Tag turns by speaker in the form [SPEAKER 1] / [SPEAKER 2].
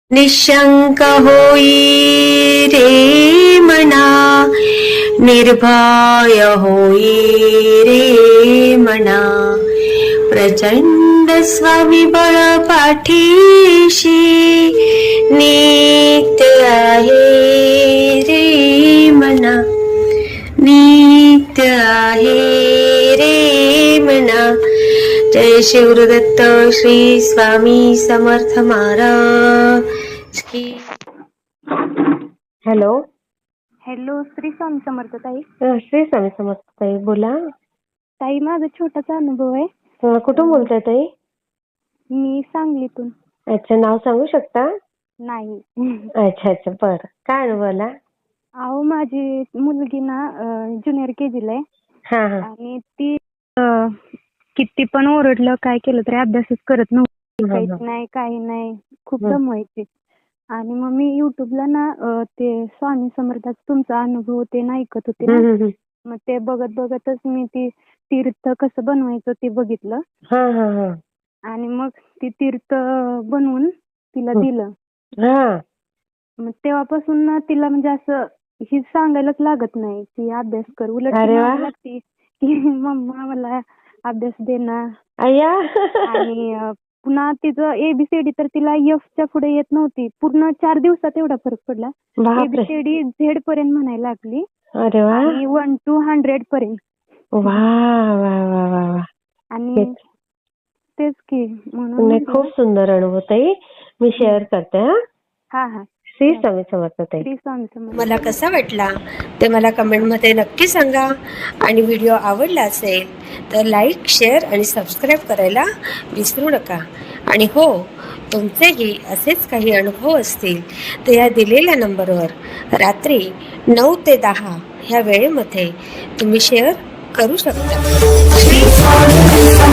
[SPEAKER 1] निशंक होई रे मना, निर्भय होई रे मना, प्रचंड स्वविबळ पाठीशी नित्य आहे रे मना, नित्य आहे रे मना. जय शिवदत्त श्री स्वामी समर्थ महाराज की. हॅलो
[SPEAKER 2] हॅलो, श्री स्वामी समर्थ ताई.
[SPEAKER 1] श्री स्वामी समर्थ ताई, बोला
[SPEAKER 2] ताई. माझा छोटासा अनुभव आहे.
[SPEAKER 1] कुठून बोलताय ताई?
[SPEAKER 2] मी सांगलीतून.
[SPEAKER 1] अच्छा, नाव सांगू शकता?
[SPEAKER 2] नाही.
[SPEAKER 1] अच्छा अच्छा, बर. काय अनुभव आला?
[SPEAKER 2] अहो, माझी मुलगी ना ज्युनियर केजीला आहे.
[SPEAKER 1] हा हा.
[SPEAKER 2] आणि ती किती पण ओरडलं काय केलं तरी अभ्यासच करत नव्हती. काहीच नाही, काही नाही, खूप दमवायची. आणि मग मी युट्यूबला ना ते स्वामी समर्थाचा तुमचा अनुभव ते ऐकत होते ना. मग ते बघत बघतच मी ती तीर्थ कसं बनवायचं ते बघितलं. आणि मग ती तीर्थ बनवून तिला दिलं. मग तेव्हापासून ना तिला म्हणजे असं ही सांगायलाच लागत नाही ती अभ्यास कर. उलट लागते की मम्मा मला अभ्यास दे ना. आणि पुन्हा तिचं एबीसीडी तर तिला एफच्या पुढे येत नव्हती. पूर्ण 4 दिवसात एवढा फरक पडला. एबीसीडी झेड पर्यंत म्हणायला लागली. आणि 1 to 100 पर्यंत. आणि तेच की म्हणून
[SPEAKER 1] खूप सुंदर अनुभव ताई, मी शेअर करते.
[SPEAKER 2] हा.
[SPEAKER 1] श्री स्वामी समर्थ ताई.
[SPEAKER 2] श्री स्वामी समर्थ.
[SPEAKER 1] मला कसा वाटला ते मला कमेंटमध्ये नक्की सांगा. आणि व्हिडिओ आवडला असेल तर लाईक, शेअर आणि सबस्क्राईब करायला विसरू नका. आणि हो, तुमचेही असेच काही अनुभव असतील तर या दिलेल्या नंबरवर रात्री 9 ते 10 ह्या वेळेमध्ये तुम्ही शेअर करू शकता.